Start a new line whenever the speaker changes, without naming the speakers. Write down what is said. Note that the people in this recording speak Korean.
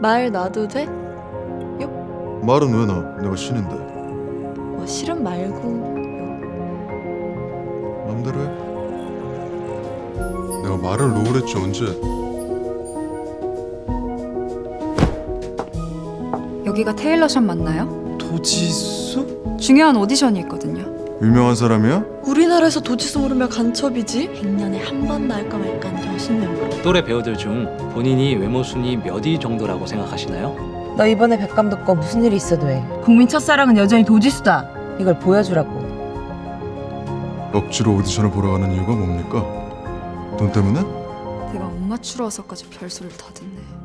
말 놔도 돼?
말은 왜 나? 내가 신인데.
뭐 실은 말고.
맘대로 해. 내가 말을 놓으랬지 언제?
여기가 테일러샵 맞나요?
도지수?
중요한 오디션이 있거든요.
유명한 사람이야?
우리나라에서 도지수 모르면 간첩이지. 100년에 한 번 나올까 말까 하는 여신 멤버.
또래 배우들 중 본인이 외모 순위 몇 위 정도라고 생각하시나요?
너 이번에 백감 듣고 무슨 일이 있어도 해. 국민 첫사랑은 여전히 도지수다. 이걸 보여주라고.
억지로 오디션을 보러 가는 이유가 뭡니까? 돈 때문에?
내가 못 맞추러 와서까지 별소리를 다 듣네.